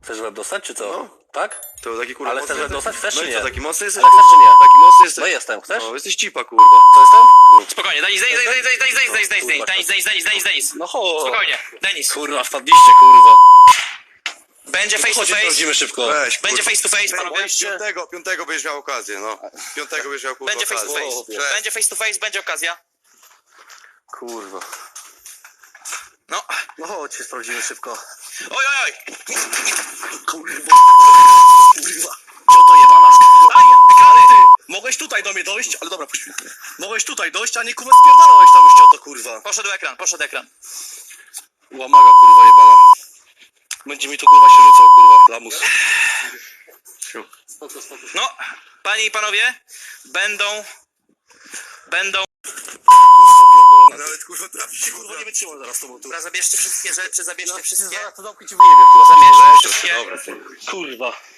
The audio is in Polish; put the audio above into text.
Chcesz łeb dostać, czy co? No. Tak? To taki kurwa Ale mocny chcesz łeb jesteś? dostać? Chcesz No czy i nie? co, taki mocny jesteś? Ale chcesz czy nie? Taki mocny jesteś? No jestem, chcesz? No, jesteś cipa, kurwa. Co jestem? Spokojnie, Denis, Denis. No chodź. Spokojnie, Denis. Kurwa, wpadliście, kurwa. Będzie face to Chodź, face. sprawdzimy szybko. Weź, Będzie kurwa. face to face, panowie. Piątego będziesz miał okazję, no. Piątego będziesz miał, kurwa, Będzie face to okazję. face. Cześć. Będzie face to face, będzie okazja. Kurwa. No. No chodź, sprawdzimy szybko. Oj. Kurwa. Kurwa. Co to jebana? Aj, ekrany. Mogłeś tutaj do mnie dojść, ale dobra, puść mnie. Mogłeś tutaj dojść, a nie kurwa spierdalałeś tam już cioto, kurwa. Poszedł ekran. Łamaga, kurwa jebana. Będzie mi tu kurwa się rzucał, kurwa, lamus. No, panie i panowie, będą... Nawet, kurwa, trafi się, Kurwa, nie wytrzymam zaraz z tobą tu. Dobra, zabierzcie wszystkie rzeczy, zabierzcie wszystkie... To zamknij ci wyjebie, kurwa. Zabierzcie wszystkie... Kurwa.